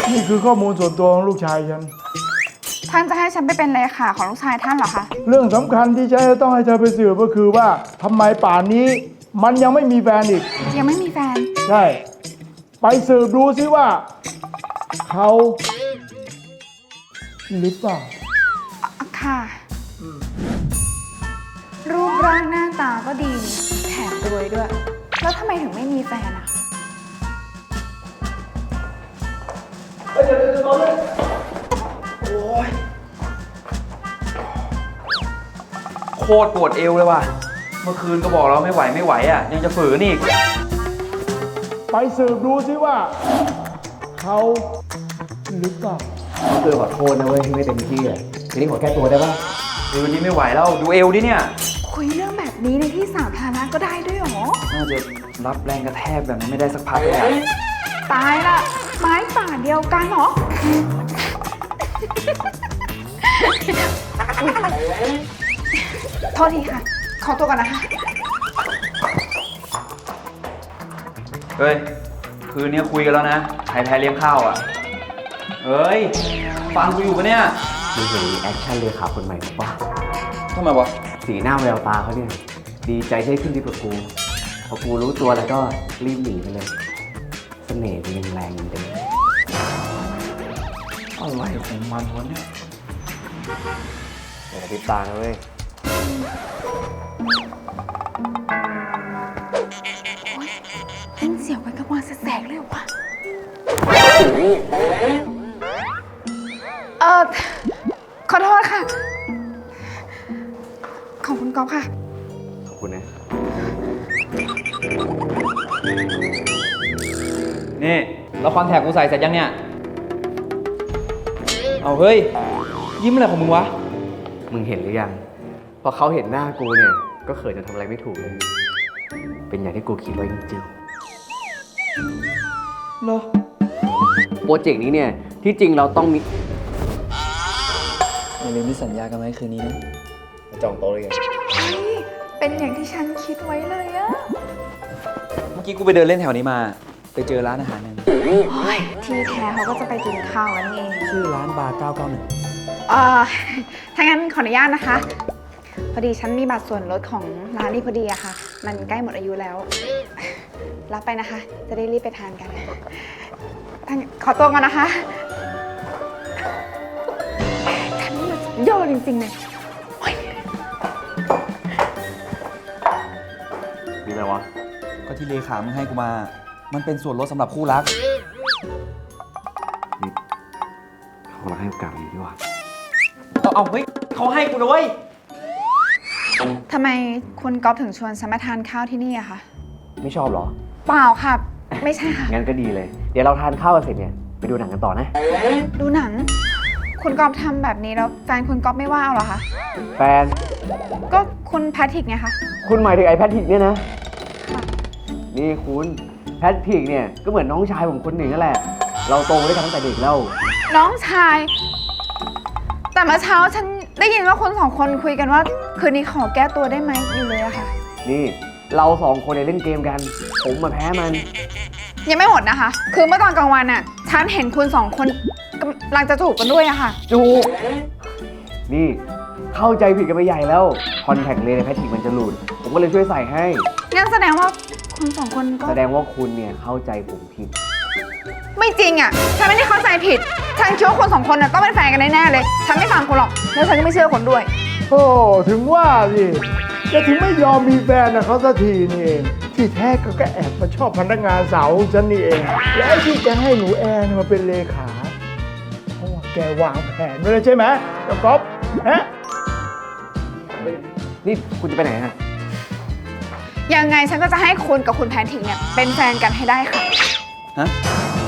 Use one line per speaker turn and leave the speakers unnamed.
นี่คือข้อมูลส่วนตัวของลูกชายฉัน
ท่านจะให้ฉันไปเป็นเลขาของลูกชายท่านเหรอคะ
เรื่องสำคัญที่ฉันจะต้องให้เธอไปสืบก็คือว่าทำไมป่านนี้มันยังไม่มีแฟนอีก
ยังไม่มีแฟน
ใช่ ไปสืบดูซิว่า เขาหรือเปล่า
ค่ะ รูปร่างหน้าตาก็ดีแถมรวยด้วย แล้วทำไมถึงไม่มีแฟนอะ
โคตรปวดเอวเลยว่ะ เมื่อคืนก็บอกเราไม่ไหวอ่ะ ยังจะฝืนอีก
ไปสืบดูซิว่า เขาหรือเปล่า
คือขอโทษนะเว้ยที่ไม่เต็มที่อ่ะทีนี้ขอแก้ตัวได้ปะ
คืนนี้ไม่ไหวแล้วดูเอวดิเนี่ย
คุยเรื่องแบบนี้ในที่สาธารณะก็ได้ด้วยเหรอ
น่าจะรับแรงกระแทกแบบนั้นไม่ได้สักพักเลยอะ
ตายละไม้ป่าเดียวกันเหรออุ๊ยโทษทีค่ะ ขอตัวก่อนนะคะ
เฮ้ย คืนนี้คุยกันแล้วนะใครแพ้เลี้ยงข้าวอ่ะ เฮ้ย ฟังกูอยู่ปะเนี่ย
มึงเห็นรีแอคชั่นเลขาคนใหม่หรือเปล่า
ทำไมวะ
สีหน้าแววตาเขาเนี่ยดีใจที่ได้ขึ้นดีกว่ากูพอกูรู้ตัวแล้วก็รีบหนีไปเลยเสน่ห์มันยังแรงเหมือนเดิม
อะไรของมันวะเนี่ย
อย่ากระพริบตานะเว้ย
เล่นเสียวกันกับวันแสกๆเลยเหรอวะขอโทษค่ะ ขอบคุณก๊อฟค่ะ
ขอบคุณนะ
นี่แล้วคอนแทคกูใส่เสร็จยังเนี่ย เอาเฮ้ย ยิ้มอะไรของมึงวะ
มึงเห็นหรือยังพอเขาเห็นหน้ากูเนี่ยก็เขินจนทำอะไรไม่ถูกเลย เป็นอย่างที่กูคิดไว้จริง
เหรอ
ๆโปรเจกต์นี้เนี่ยที่จริงเราต้องมี
อย่าลืมที่สัญญากันไว้คืนนี้นะ
จองโต๊ะเลยไง
เฮ้ย เป็นอย่างที่ฉันคิดไว้เลยอะ
เมื่อกี้กูไปเดินเล่นแถวนี้มา ไปเจอร้านอาหารหนึง
โอ้ยที่แท้เขาก็จะไปกินข้าวกันนี่เอง
ชื่อร้านบาร์991
ถ้างั้นขออนุญาตนะคะ พอดีฉันมีบัตรส่วนลดของร้านนี้พอดีอะค่ะ มันใกล้หมดอายุแล้ว รับไปนะคะ จะได้รีบไปทานกันขอตัวก่อนนะคะฉันนี่มันสุดยอดจริงๆเลยโอ๊ย
มีอะไรวะ
ก็ที่เลขามึงให้กูมา มันเป็นส่วนลดสำหรับคู่รัก
เขาเราให้โอกาสอีกดีกว่า
เอาเฮ้ยเขาให้กูนะเว้ย
ทำไมคุณก๊อฟถึงชวนฉันมาทานข้าวที่นี่อะคะ
ไม่ชอบเหรอ
เปล่าค่ะ ไม่ใช่ค่ะ
งั้นก็ดีเลย เดี๋ยวเราทานข้าวกันเสร็จเนี่ยไปดูหนังกันต่อนะ
ดูหนัง คุณก๊อฟทำแบบนี้แล้วแฟนคุณก๊อฟไม่ว่าเอาเหรอคะ
แฟน
ก็คุณแพทริกไงคะ
คุณหมายถึงไอ้แพทริกเนี่ยนะ นี่คุณแพทริกเนี่ยก็เหมือนน้องชายผมคนหนึ่งนั่นแหละ เราโตมาด้วยกันตั้งแต่เด็กแล้ว
น้องชาย แต่เมื่อเช้าฉันได้ยินว่าคนสองคนคุยกันว่า คืนนี้ขอแก้ตัวได้ไหมอยู่เลยอะค่ะ
นี่เราสองคนเนี่ยเล่นเกมกัน ผมมาแพ้มัน
ยังไม่หมดนะคะ คือเมื่อตอนกลางวันอะฉันเห็นคุณสองคนกำลังจะจูบกันด้วยอะค่ะ
จูบนี่เข้าใจผิดกันไปใหญ่แล้วคอนแทคเลนส์ในแพทริกมันจะหลุด ผมก็เลยช่วยใส่ให้
งั้นแสดงว่าคุณสองคนก็
แสดงว่าคุณเนี่ยเข้าใจผมผิด
ไม่จริงอะฉันไม่ได้เข้าใจผิด ฉันคิดว่าคนสองคนน่ะต้องเป็นแฟนกันแน่ๆเลย ฉันไม่ฟังคุณหรอก แล้วฉันก็ไม่เชื่อคนด้วย
โอ้ถึงว่าสิจะถึงไม่ยอมมีแฟนนะเขาสักทีนี่เอง ที่แท้ก็แอบมาชอบพนักงานสาวของฉันนี่เอง และที่จะให้หนูแอนมาเป็นเลขาเพราะว่าแกวางแผนไว้แล้วใช่ไหมเจ้าก๊อฟฮะ
นี่คุณจะไปไหนฮะ
ยังไงฉันก็จะให้คุณกับคุณแพนทิกเนี่ยเป็นแฟนกันให้ได้ค่ะ
ฮะ